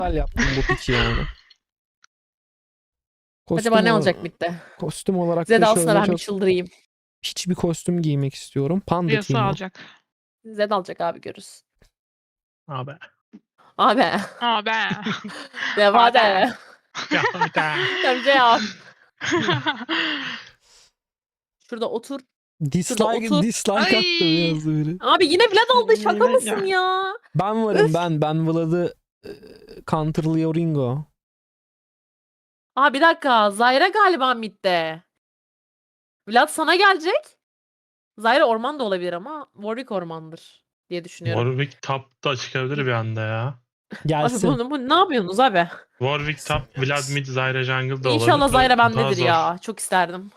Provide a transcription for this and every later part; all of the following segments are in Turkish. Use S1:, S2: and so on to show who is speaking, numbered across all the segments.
S1: güzel yaptım bu piçi yani.
S2: Acaba ne
S1: Kostüm,
S2: olacak midde?
S1: kostüm olarak
S2: Zed
S1: da
S2: alsana,
S1: şöyle
S2: ben bir
S1: çok
S2: çıldırayım.
S1: piç bir kostüm giymek istiyorum. Panda
S3: Yasa
S1: giyimi.
S3: alacak.
S2: Zed alacak abi, görürüz.
S4: Abi.
S2: Abi.
S3: Aa be.
S2: Devam de.
S4: Ya bir daha.
S2: Ya bir şey yap. Şurada otur. otur.
S1: Dislike
S3: Ay.
S1: attım yazdı biri.
S2: Abi yine Vlad aldı, şaka
S3: Yine-
S2: mısın ya?
S1: Ben varım
S2: Öf.
S1: ben Vlad'ı counterlıyor Ringo.
S2: Aa bir dakika, Zyra galiba midde. Vlad sana gelecek. Zyra orman da olabilir ama Warwick ormandır diye düşünüyorum.
S4: Warwick top da çıkabilir bir anda ya.
S2: Abi
S1: Gelsin.
S2: bu ne yapıyorsunuz abi?
S4: Warwick top, Vlad mid, Zyra jungle da olabilir.
S2: İnşallah Zyra
S4: Daha
S2: bendedir
S4: zor.
S2: ya. Çok isterdim.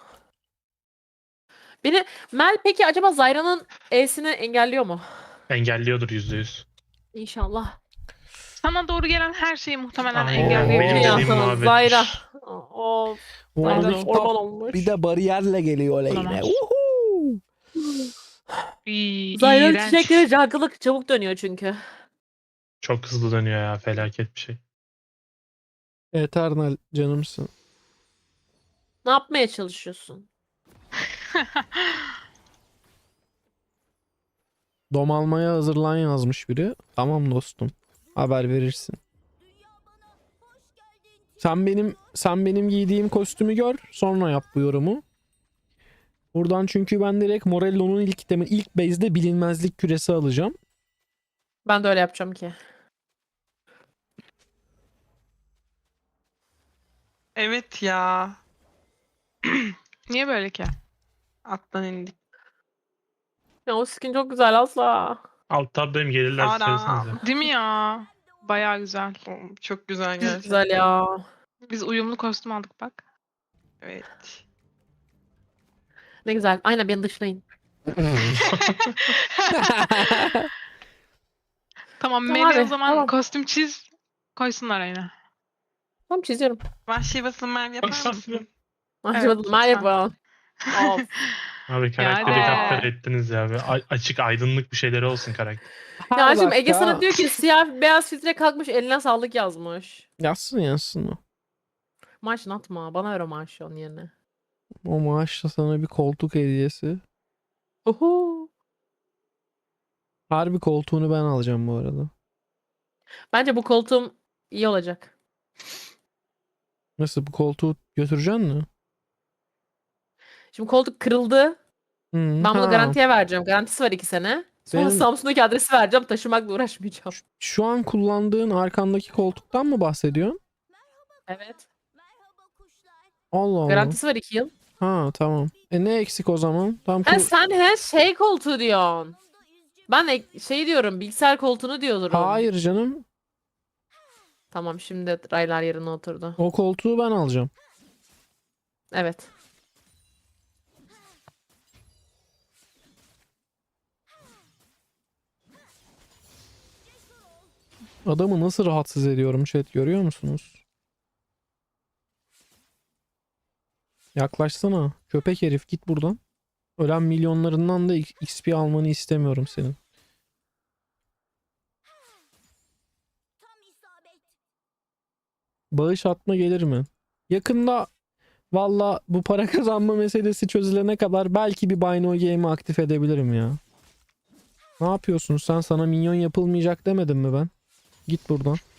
S2: Mel peki acaba Zyra'nın E'sini engelliyor mu?
S4: Engelliyordur %100.
S2: İnşallah.
S3: Sana doğru gelen her şeyi muhtemelen
S4: Aynen,
S3: engelleyebilir.
S4: benim
S2: Ya
S4: dediğim
S2: sana
S4: muhabbetmiş.
S2: Zyra. Of.
S1: Warwick
S3: Aynen.
S2: Orman
S1: top
S2: olmuş.
S1: bir de bariyerle geliyor lane'e.
S3: Olamaz.
S1: Uhu.
S2: Zyra'nın
S3: İğrenç.
S2: çiçekleri jungle'lık çabuk dönüyor çünkü.
S4: Çok hızlı dönüyor ya, felaket bir şey.
S1: Eternal canımsın.
S2: Ne yapmaya çalışıyorsun?
S1: Dom almaya hazırlan yazmış biri. Tamam dostum. Haber verirsin. Sen benim giydiğim kostümü gör, sonra yap bu yorumu. Buradan çünkü ben direkt Morello'nun ilk base'de bilinmezlik küresi alacağım.
S2: Ben de öyle yapacağım ki.
S3: Evet ya. Niye böyle ki? Attan indik.
S2: Ya o skin çok güzel asla.
S4: Alt tabdayım, gelirler
S3: Ara.
S4: söylesenize.
S3: Değil mi ya? Bayağı güzel.
S5: Çok güzel
S2: Çok
S5: gerçekten.
S2: güzel ya.
S3: Biz uyumlu kostüm aldık bak.
S5: Evet.
S2: Ne güzel. Aynen, beni dışlayın.
S3: Tamam,
S2: Tamam
S3: Melih
S2: abi,
S3: o zaman
S2: tamam.
S3: kostüm çiz. Koysunlar ayına.
S2: Tamam, çiziyorum.
S5: Vahşi basınlar yapar mısın?
S2: Acaba
S3: lütfen.
S2: merhaba. Of.
S4: Abi karakteri
S3: Yani.
S4: kaptar ettiniz ya. Açık aydınlık bir şeyleri olsun karakter.
S2: Ya
S1: Her
S2: şimdi Ege
S1: dakika-
S2: sana diyor ki siyah beyaz filtre kalkmış, eline sağlık yazmış.
S1: Yazsın o.
S2: Maaşını atma. Bana ver o maaşı onun yerine.
S1: O maaşla sana bir koltuk hediyesi.
S2: Uhu.
S1: Harbi koltuğunu ben alacağım bu arada.
S2: Bence bu koltuğum iyi olacak.
S1: Nasıl, bu koltuğu götüreceksin mi?
S2: Şimdi koltuk kırıldı.
S1: Hı,
S2: Ben bunu
S1: ha.
S2: garantiye vereceğim. Garantisi var 2 sene. Sonra
S1: Benim-
S2: Samsun'daki adresi vereceğim. Taşımakla uğraşmayacağım.
S1: Şu an kullandığın arkandaki koltuktan mı bahsediyorsun?
S2: Evet.
S1: Allah Allah.
S2: Garantisi var 2 yıl.
S1: Ha tamam. Ne eksik o zaman? Tam
S2: Sen şey koltuğu diyorsun. Ben şey diyorum, bilgisayar koltuğunu diyorum.
S1: Hayır canım.
S2: Tamam, şimdi raylar yerine oturdu.
S1: O koltuğu ben alacağım.
S2: Evet.
S1: Adamı nasıl rahatsız ediyorum chat, görüyor musunuz? Yaklaşsana. Köpek herif, git buradan. Ölen milyonlarından da XP almanı istemiyorum senin. Bağış atma gelir mi? Yakında valla bu para kazanma meselesi çözülene kadar belki bir Buy No Game'i aktif edebilirim ya. Ne yapıyorsun sen? Sana minyon yapılmayacak demedim mi ben? Git buradan.